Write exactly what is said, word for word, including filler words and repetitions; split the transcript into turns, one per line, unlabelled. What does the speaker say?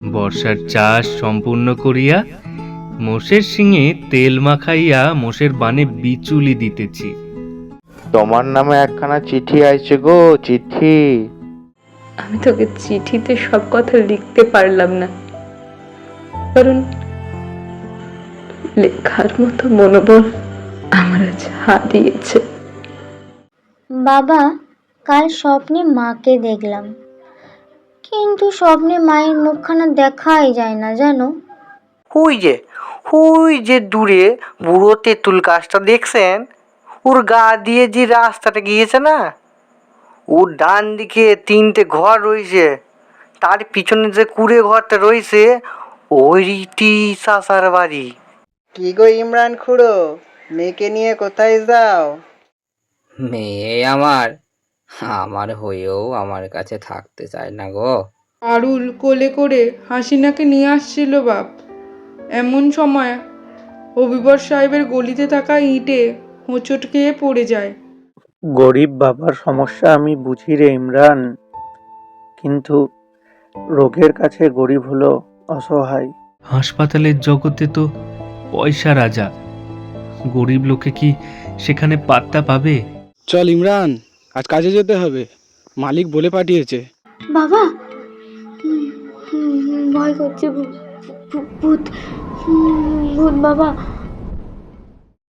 বর্ষার চাষ সম্পূর্ণ করিয়া মোষের শিঙে তেল মাখাইয়া মোষের বানে বিচুলি দিতেছি।
তোমার নামে একখানা চিঠি আইছে গো, চিঠি।
আমি তোকে চিঠিতে সব কথা লিখতে পারলাম না, কারণ লেখার মতো মনোবল আমার আজ হারিয়েছে।
বাবা, কাল স্বপ্নে মাকে দেখলাম, কিন্তু স্বপ্নে মায়ের মুখখানা দেখাই যায় না জানো।
ওই যে ওই যে দূরে বুড়ো তেঁতুল গাছটা দেখছেন, ওর গা দিয়ে যে রাস্তাটা গিয়েছে না, ওর ডান দিকে তিনটে ঘর রয়েছে, তার পিছনে যে কুড়ে ঘরটা রয়েছে ওইটি চাচার বাড়ি।
কি গো ইমরান খুড়ো, মেয়েকে নিয়ে কোথায় যাও?
মেয়ে আমার আমার হয়েও আমার কাছে থাকতে চায় না গো।
আরুল কোলে করে হাসিনাকে নিয়ে আসছিল বাপ। এমন সময় হবিবর সাহেবের গলিতে থাকা ইটে হোঁচট খেয়ে পড়ে যায়।
গরিব বাবার সমস্যা আমি বুঝি রে ইমরান, কিন্তু রোগের কাছে গরিব হলো অসহায়।
হাসপাতালের জগতে তো পয়সা রাজা, গরিব লোকে কি সেখানে পাত্তা পাবে?
চল ইমরান, আজ কাজে যেতে হবে, মালিক বলে পাঠিয়েছে।
বাবা, হুম, হুম, ভয় করছে, ভূ- ভূ- ভূত, হুম, ভূত বাবা।